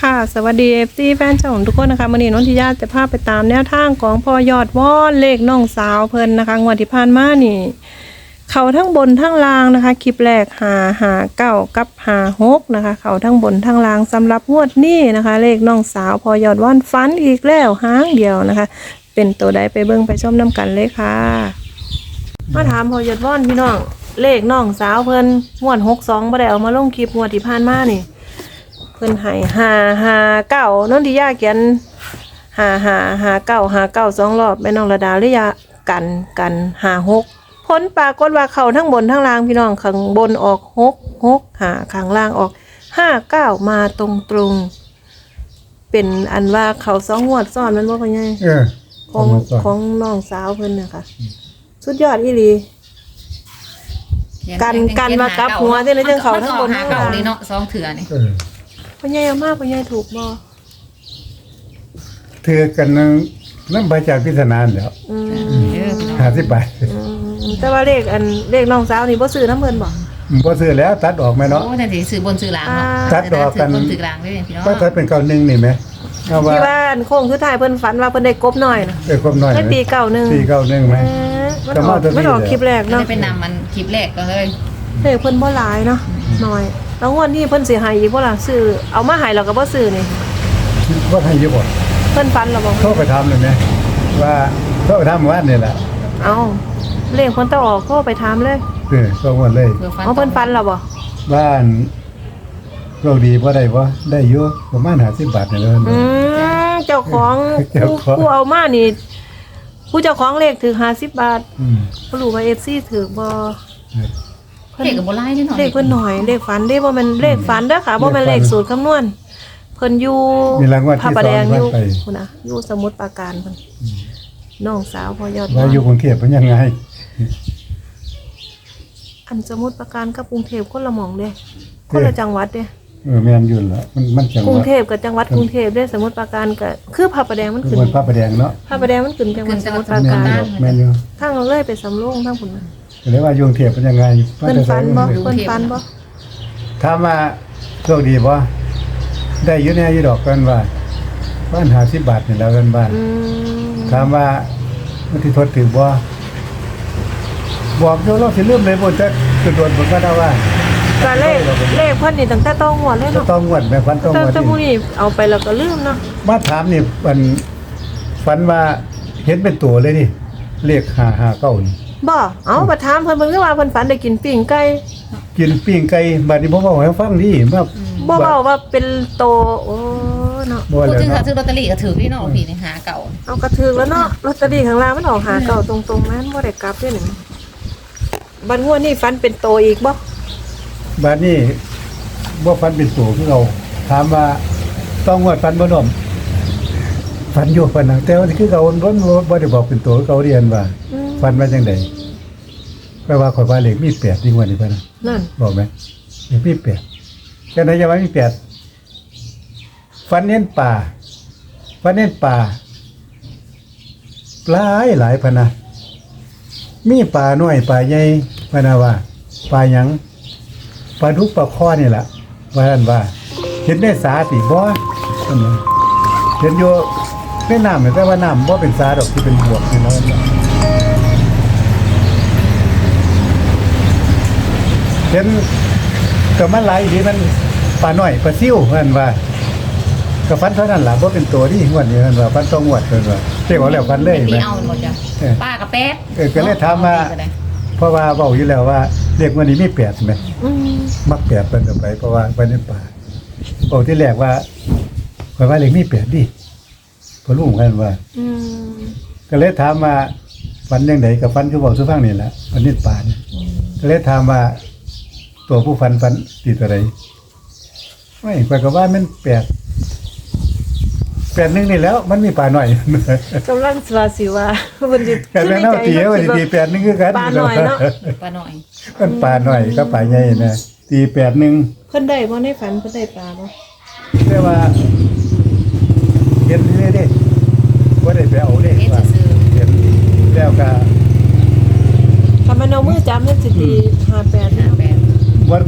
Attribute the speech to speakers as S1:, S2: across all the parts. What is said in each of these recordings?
S1: ค่ะสวัสดีFCแฟนช่องทุกคนนะคะวันนี้น้องทิยาจะพาไปตามแนวทางของพอยอดว่อนเลขน้องสาวเพิ่นนะคะงวดที่ผ่านมานี่เขาทั้งบนทั้งล่างนะคะคลิปแรก559กับ56นะคะเขาทั้งบนทั้งล่างสำหรับงวดนี้นะคะเลขน้องสาวพอยอดว่อนฟันอีกแล้วหางเดียวนะคะเป็นตัวใดไปเบิ่งไปชมน้ำกันเลยค่ะมาถามพอยอดว่อนพี่น้องเลขน้องสาวเพิ่นงวด62บ่ได้เอามาลงคลิปงวดที่ผ่านมานี่เพิ่นให้559นนทิยาเขียน559 2 รอบแม่น้องระดาเลยกัน56ผลปรากฏว่าเข้าทั้งบนทั้งล่างพี่น้องข้างบนออก665ข้างล่างออก59มาตรงๆเป็นอันว่าเขา2งวดซ้อนมันบ่พ่อใหญ่ของน้องสาวเพิ่นน่ะค่ะสุดยอดอีหลีกันว่ากลับหัวได้เลยจังเขาทั้งบนทั้งล่าง
S2: นี่เนาะ2เถื่อนี่
S1: พ่อใหญ่เอามากพ่อใหญ่ถูกบ่
S3: เถือกันน้ำใบจากพิศนานเดี๋ยว50 บาท
S1: แต่ว่าเลขน้องสาวนี่บ่ซื้อน้ำเพิ่นบ่
S3: บ่ซื้อแล้วตัดออกไหมเนาะ
S2: โอ้แต่สิซื้อบนซื้อหลังเนาะ
S3: ตัดออกกัน
S2: บนซื้อหลังได้พี่น้อง
S3: ก็ตัดเป็น91นี่ไหม
S1: ที่ว่าโค้งสุดท้ายเพิ่นฝันว่าเพิ่นได้กบน้อยน่ะ
S3: ได้กบน้อย
S1: ปี91
S3: ไหม
S1: มันออกคลิปแรกเนาะ
S2: เป็นนำมันคลิปแรกก็เลย
S1: เลขเพิ่นบ่หลายเนาะน้อยแล้วงวดนี้เพิ่นสิให้อีกบ่ล่ะซื้อเอามาให้แล้วก็บ่ซื้อนี่
S3: ว่าให้เยอะบ่
S1: เพิ่นฝันแล้วบ่
S3: โทรไปถามเลยไหมว่าโทรไปถามว่านี่แหละ
S1: เอาเลขเพิ่นต้องออกโทรไปถามเลย
S3: ก็หมดเลย
S1: เอาเพิ่นฝันแล้วบ่
S3: บ้านโชคดีบ่ได้บ่ได้อยู่ประมาณ50 บาทนี่เลย
S1: เจ้าของผู้เอามานี่ผู้เจ้าของเลขถือ50 บาทบ่รู้ว่า FC ถือบ่
S2: เลขก็บ่หลายนิดหน่อย
S1: เลขเพิ่นหน่อยเลขฝันเด้บ่แม่นเลขฝันเด้อค่ะบ่แม่นเลขสูตรคำนวณเพิ่นอยู่พระประแดงอยู่พุ่นน่ะอยู่สมุทรปราการเพิ่นน้องสาวพอยอด
S3: ว่าอยู่กรุงเทพเป็นยังไง
S1: อันสมุทรปราการกับกรุงเทพคนละหม่องเด้คนละจังหวัดเด้
S3: แม่นอยู่ล่ะมันจังหวัด
S1: กรุงเทพกับจังหวัดกรุงเทพเด้สมุทรปราการก็คือพระประแดงมันขึ้น
S3: พระประแดงเนาะ
S1: พระประแดงมันขึ้นจังหวัดสมุทรปราการ
S3: แม่นอยู่
S1: ทางเราเลยไปสำโรงทางพุ่นน่ะ
S3: ก็เลยว่าอยู่กรุงเทพเป็นยังไง
S1: เพิ่นฝันบ่
S3: ถามว่าโชคดีบ่ได้อยู่แน่อยู่ดอกกันว่าบ้าน50 บาทนี่แล้วกันบ้านถามว่ามันสิทดถือบ่บอกโยเราสิลืมเลยบ่จักคือโดนบ่ก็ได้ว่า
S1: ก็เลขเพิ่นนี่ตั้งแต่ต้องงวดเลยเนาะ
S3: ต้องงวดแม่ฝันต้องงวด
S1: แต่ผู้นี้เอาไปแล้วก็ลืมเนาะ
S3: มาถามนี่ฝันว่าเห็นเป็นตัวเลยนี่เลข559นี่
S1: บ่เอามาถามเพิ่นคือว่าเพิ่นฝันได้กินปิ้งไก่
S3: กินปิ้งไก่บัดนี้บ่เว้าให้ฟังดิมา
S1: บ่เว้าว่าเป็นโตโอ้เนาะ
S2: พูดถึงซื้อลอตเตอรี่ก็ถือพี่น้องพี่นี่หาเก่า
S1: เอากระถึกแล้วเนาะลอตเตอรี่ข้างล่างมันออกหาเก่าตรงๆนั้นบ่ได้กลับเด้นี่บัดงวดนี้ฝันเป็นโตอีกบ่
S3: บัดนี้บ่ฝันเป็นตัวคือเราถามว่าต้องงวดฝันบ่ดอมฝันอยู่ฝันนะแต่ว่าคือเขาบ่ได้บอกเป็นตัวเขาเรียนว่าฝันว่าจังได๋แปลว่าข่อยว่าเลขมี8นี่งวดนี้เพิ่น
S1: นั่น
S3: บอกมั้ยเลขมี8จังได๋จะว่ามี8ฝันเห็นป่าหลายพะนะมีป่าน้อยป่าใหญ่พะนะว่าป่าหยังปลาดุกปลาคอนี่แหละว่าท่านว่าเห็นได้สาติบ่เห็นอยู่ในน้ำแต่ว่าน้ำบ่เป็นสาดอกที่เป็นบวกนี่เนาะเห็นก็มันหลายดีมันปลาน้อยปลาซิ่วท่านว่าก็ฟันเท่านั้นล่ะบ่เป็นตัวที่งวดนี้ท่านว่าฟันต้องงวดเพิ่นว่าเรียกว่าแล้วฟันเลย
S2: แม่เอาหมดจ้ะป้ากับแป๊ด
S3: ก็เลยถามว่าเพราะว่าเว้าอยู่แล้วว่าเลขวันนี้มี8ใช่มั้ยมัก8เพิ่นก็ไปเพราะว่าไปในป่าโอ้ที่แรกว่าข่อยว่าเลขมี8ดิพอรู้กันว่าก็เลยถามว่าฝันจังได๋ก็ฝันคือเว้าสู่ฟังนี่แหละฝันในป่านี่ก็เลยถามว่าตัวผู้ฝันติดอะไรไม่ข่อยก็ว่ามัน8นึงนี่แล้วมันมีป่าหน่อย
S1: กำลังสิว่าเพิ่นสิ
S3: กันแล้วเนาะตีว่าตี8นึงคือกัน
S1: ป่าหน่อยเนาะ
S2: ป่าหน่อย
S3: มันป่าหน่อยกับป่าใหญ่นะตี8นึง
S1: เพิ่นได้บ่ในฝันเพิ่นได้ปลาบ่
S3: แต่ว่าเห็นเด้บ่ได้ไปเอาเด้ว่าเห็นแล้วก็
S1: ถ้ามันเอามือจับมันสิตี58
S3: บ่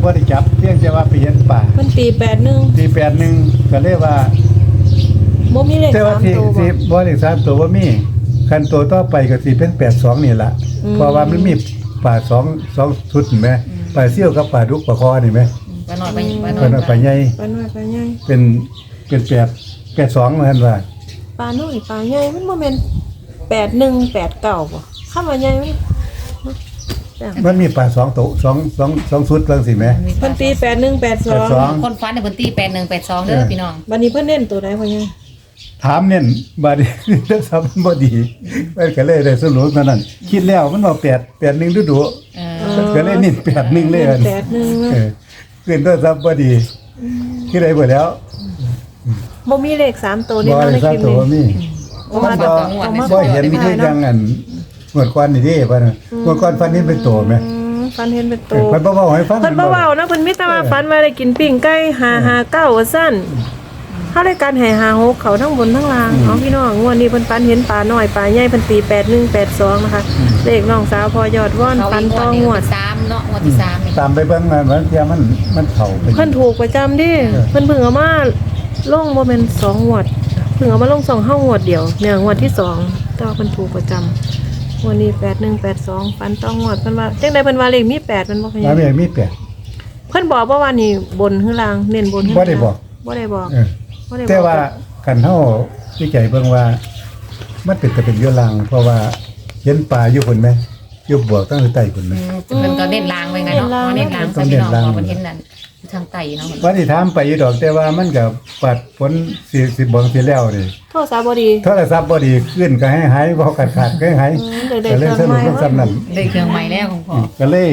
S3: บ่ได้จับเพียงแต่ว่าไปเห็นป่า
S1: เพิ่นตี81
S3: ที่81ก็เลยว่า
S1: บ่มีเลข
S3: แต่ว่า
S1: 3
S3: ที่
S1: ตัวบ่
S3: ที่บ่ได้3ตัวบ่มีคันตัวต่อไปก็สิเป็น82นี่ล่ะเพราะว่ามันมีป่า2ชุดเห็นไหมป่าเซี่ยวกับป่าดุกป่าคอนี่ไหม
S2: ปลาน้อยไปปลาน้
S3: เพิ่น
S2: อย
S3: เอา
S2: ไป
S3: ป่าใหญ่
S1: ปลาน้อยปลาใหญ่
S3: เป็น82ว่าซั่นว่า
S1: ปลาน้อยปลาใหญ่มันบ่แม่น81 89บ่คำว่าใหญ่มัน
S3: มันมีป่า2ตัว2ชุดจังซี่แหม
S1: เพิ่นตี81 82
S2: คนฟันในพื้นที่8182เด้อพี่น้อง
S1: บัดนี้เพิ่นเน้นตัวใดพ่อใหญ่
S3: ถามเน้นบาดนี้ ทำมันบ่ดีมันก็เลยได้สรุปเท่านั้นคิดแล้วมันว่า81ดุๆ
S2: เอ
S3: ก็เลยนิ่ง81เลยอัน
S1: 81
S3: เออขึ้นโทรศัพท์บ่ดีคิดได้บ่แล้ว
S1: บ่มีเลข3ตัวนี่
S3: บ่
S1: เนาะ
S3: ได้
S1: ใน
S3: ทรา
S1: ค
S3: บ
S1: ลิป
S3: ตัว
S1: นี้
S3: มี
S2: เพราะว่าตองวด
S3: บ่เห็นคือจังอันเมื่อก่อนนี่เด้บ่น่ะเมื่อก่อนฟันนี่เป็นตัวแม่
S1: ฟันเห็นเป็น
S3: เอ
S1: ตัว
S3: อเพิ่นบ่เว้าให้ฟัง
S1: เพิ่นบ่เว้านะเพิ่นมีแต่ว่าฟันว่าได้กินปิ้งไก่559ว่าซั่นเฮาได้การให้56เขาทั้งบนทั้งล่างเอาพี่น้องงวดนี้เพิ่นฟันเห็นปลาน้อยปลาใหญ่เพิ่นตี8182นะคะเลขน้องสาวพอยอดว่อน
S2: เขา
S1: ฟัน
S2: อีกง
S1: ต่
S2: ว
S1: อ
S2: ดนี้
S1: งวด
S2: 3เนาะงวดที่3นี่
S3: ตามไปเบิ่งมันเที่ยมันเข้าไป
S1: เพิ่นถูกประจำดิเพิ่นเพิ่งเอามาลงบ่แม่น2งวดเพิ่งเอามาลง2เฮางวดเดียวเนี่ยงวดที่2แต่ว่าเพิ่นถูกประจำวันนี้8182ฟันต่องวดเพิ่นว่าจังได๋เพิ่นว่าเลขมี8มันบ่พะ
S3: แล้ว
S1: ยะ
S3: มีแปด
S1: เพิ่นบอกว่านี่บนหรือล่างเน้นบนหรือ
S3: บ่ได้บอก
S1: บ่ได้บอก
S3: เออ
S1: บ่ได้บอก
S3: แต่ว่ากันเฮาวิจัยเบิ่งว่า มันเป็นแต่เป็นเยอะลางเพราะว่าเห็นปลาอยู่พุ่นแม่อยู่บวกตั้งแต่ใต้พุ่นแม่
S2: เพิ่นก็เน้นลางไว้ไงเนาะเน้นลางใส่พี่น้องว่าเพิ่นเห็นนั่นอยู่ทางใต้เนาะ
S3: ว่าที่ถามไปอยู่ดอกแต่ว่ามันก็ปัดผลสิบ่สิแล้วนี่
S1: โทษสาบ่ดี
S3: โทรศัพท์บ่ดีขึ้นก็ให้หายบ่ขาดก็ให้หาย
S1: เด็ก
S3: ก็เลย
S1: ๆเค
S3: ส
S1: รื่อง
S3: รุป
S1: ใหม่
S3: ลงซ้ำนั้น
S2: ได้เครื่องใหม่แล้วของพ่อ
S3: ก็เลย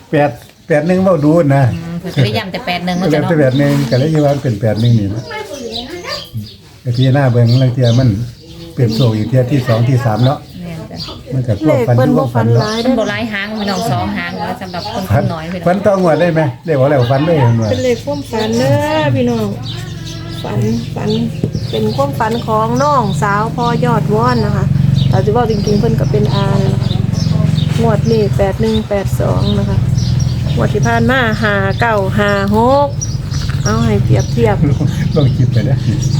S3: 8 1เว้าดูนะ
S2: เพิ่นก็ได้ย้ำแต่81
S3: ก็
S2: เนาะ
S3: เลย
S2: จ้ะเนาะ
S3: เป็น8 1ก็เลยว่าเป็น8 1นี่นะไอ้ที่หน้าเบิ่งลางเที่ยมันเปลี่ยนโซอีกเที่ยที่2ที่3เนาะ
S2: แม่นจ้ะ
S3: มันก็
S1: เล
S3: ควบ
S1: ข
S3: ฟัน
S1: เพิ่น
S3: อยู่
S1: บ่
S3: บ่
S1: ฟั
S3: ฟั
S1: น
S3: น
S1: ห
S3: เนาะ
S1: ลาย
S2: เพิ่
S1: เด้
S2: น
S1: อ
S2: บ่หลายหางพี่น้อง2หางแล้วสำหรับคน
S3: ฟัน
S2: น้อยพี่น้
S3: ฟั
S2: อง
S3: นต้องงวดได้ไหมเรียกว่าแล้วฟันเลยเห็นว่า
S1: เป็นเลขความฝันเด้อพี่น้องฝันเป็นความฝันของน้องสาวพอยอดว่อนนะคะแต่สิเว้าจริงๆเพิ่นก็เป็นอานะคะงวดนี้8182นะคะงวดที่ผ่านมา5956เอาให้เปรียบเทียบ
S3: ลองคิดไปนะ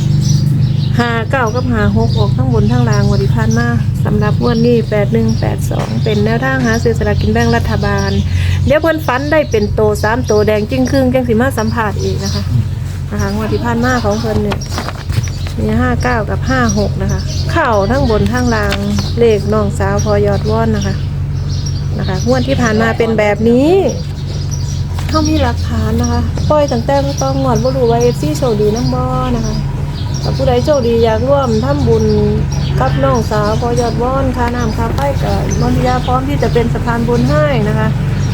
S1: 59กับ56ออกทั้งบนทั้งล่างงวดที่ผ่านมาสำหรับงวดนี้8182เป็นแนวทางหาซื้อสลากกินแบ่งรัฐบาลเดี๋ยวเพิ่นฝันได้เป็นโต3โตแดงจึงครึ่งจังสิมาสัมภาษณ์อีกนะคะงวดที่ผ่านมาของเพิ่นเนี่ยมี59กับ56นะคะเข้าทั้งบนทั้งล่างเลขน้องสาวพอยอดว่อนนะคะงวดที่ผ่านมาเป็นแบบนี้เขามีหลักฐานนะคะปล่อยตั้งแต่ต้องงวดบ่รู้ว่า FC โชคดีนำบ่นะคะถ้าผู้ใดโชคดีอยากร่วมทำบุญกับน้องสาวพอยอดว่อนค่าน้ำค่าไฟก็มนทิยาพร้อมที่จะเป็นสะพานบุญให้นะคะ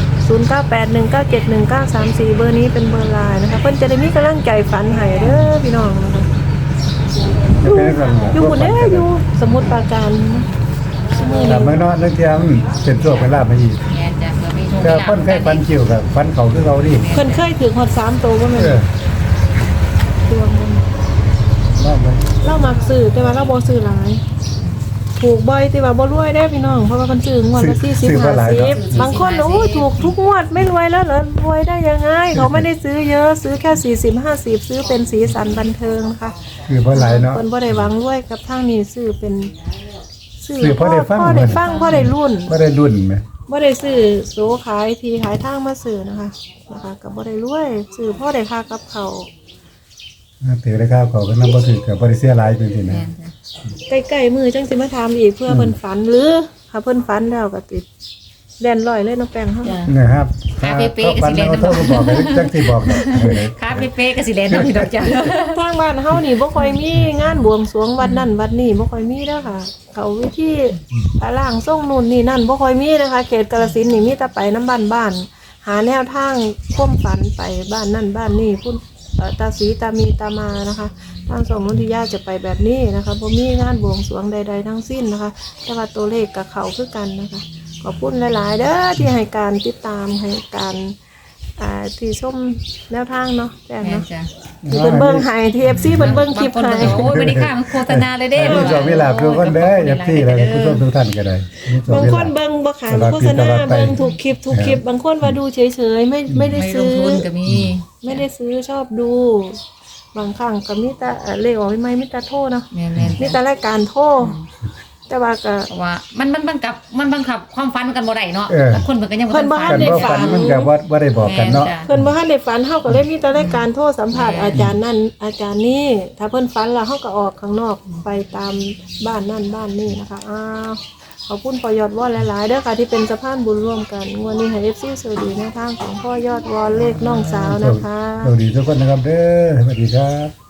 S1: 0981971934เบอร์นี้เป็นเบอร์ไลน์นะคะเพิ่นจะได้มีกำลังใจฝันให้เด้อพี่น้องนะคะอยู่บุญเด้ออยู่สมุทรปราการนะมื้อ
S3: แต่
S1: นี้
S3: เมื่อนอนนักเที่ยมันเป็นโชคเป็นลาภมาอีก
S2: แม่นจ้ะก็มีโชค
S3: แต่คนเคยฟันคิวกับฟันเขาคือเราดิ
S1: เพิ่นเคยถือฮอด3ตัวบ่แม่น
S3: เออ
S1: ดวงมัน
S3: ว่าไป
S1: เรามักซื้อแต่ว่าเราบ่ซื้อหลายถูกบ่อยแต่ว่าบ่รวยได้พี่น้องเพราะว่าเพิ่นซื้องวดละ40 50บางคนโอ้ยถูกทุกงวดไม่รวยแล้วเหรอรวยได้ยังไงเขาไม่ได้ซื้อเยอะซื้อแค่40 50ซื้อเป็นสีสันบันเทิงนะคะ
S3: คือเพราะหลายเนาะ
S1: เพิ่นบ่ได้หวังรวยกับทางนี้ซื้อเป็น
S3: ซื้อพอได้ฟัง
S1: พอได้ฟังพอได้รุ่น
S3: ก็ได้รุ่นไหม
S1: บ่ได้ซื้อโสขายทีขายทางมาซื้อนะคะก็บ่ได้รวยซื้อพอได้ค่ากับเขาว
S3: ถือได้ข้าวเขาก็นำบ่ถือกับบ่ได้เสียหลายเป็นสินะ
S2: แม่นจ้ะ
S1: ใกล้ๆมือจังสิมาถามอีกเพื่อเพิ่นฝันหรือถ้าเพิ่นฝันแล้วก็ติดแล่นลอยเลยน้องแป้งเฮา
S2: จ้ะ
S3: นะครับ
S2: ขาเป๊ะๆ
S3: ฟัน
S2: สิเล่น
S3: เอาโทรมาบอกเลยจังสิบอกเนาะเออ
S2: คาเป๊ะๆก็สิแล่นน้ำพี่ดอกจ้ะ
S1: ทางบ้านเฮานี่บ่ค่อยมีงานบวงสรวงวัดนั่นวัดนี้บ่ค่อยมีเด้อค่ะ เขาวิธีล่างส่งนู่นนี่นั่นบ่ค่อยมีนะคะเขตกาฬสินธุ์นี่มีแต่ไปน้ำบ้านหาแนวทางความฝันไปบ้านนั่นบ้านนี่พุ่นตาสีตามีตามานะคะทางสองนนทิยาจะไปแบบนี้นะคะบ่มีงานบวงสรวงใดๆทั้งสิ้นนะคะแต่ว่าตัวเลขกับเขาคือกันนะคะขอบคุณหลายๆเด้อที่ให้การติดตามให้การที่ชมแนวทางเนาะแจ้ง
S2: แม่น
S1: เนาะ
S2: จ้ะ
S1: ที่เพิ่นเบิ่งให้ที่ FC เพิ่นเบิ่งคลิป
S2: บางคน
S1: ให้
S2: ก็โอ้ยบ่ได้ค่ามันโฆษณาเลยเด้
S3: มีโชคมีลาภทุกคนเด้ออย่าที่แล้วผู้ชมทุกท่านก็ได้มีโชค
S1: บาง
S3: มี
S1: ค
S3: ลาภ
S1: นเบิ่งบ่ขาย
S3: ตลอด
S1: โฆ
S3: ปี
S1: ษณา
S3: ตลอดไป
S1: เบิ่งถูกคลิปบางคนว่าดูเฉยๆไม่ได้
S2: ไม่ล
S1: ซื้
S2: ง
S1: อ
S2: ทุนก็มี
S1: ไม่ได้ซื้อชอบดู บางครั้งก็มีแต่เลขออกไม่มีแต่โทรเนาะ
S2: แม่น
S1: มีแต่รายการโทรแต่ว่าก็
S2: เพราะว่ามันบังคับความฝันกันบ่ได้เนาะ
S3: เออ
S2: บางคนเพิ่นก็ยังบ่
S1: เพิ่นบ่
S2: ทั
S1: ทั
S2: น
S1: น
S2: ฝั
S1: ได้
S2: น
S3: กันบ่ฝันมันก็บ่ได้บอกกันเนาะ
S2: แม่จ้
S1: เพิ่นบ่ทันได้ฝันเฮาก็เลยมีแต่รายการโทรสัมภาษณ์อาจารย์นั่นอาจารย์นี่ถ้าเพิ่นฝันแล้วเฮาก็ออกข้างนอกไปตามบ้านนั่นบ้านนี่นะคะขอบคุณพ่อยอดวอนหลายๆเด้อค่ะที่เป็นสะพานบุญร่วมกันงวดนี้ให้ FC สวัสดีในทางของพ่อยอดวอนเลขน้องสาวนะคะ
S3: สวัสดีทุกคนนะครับเด้อสวัสดีครับ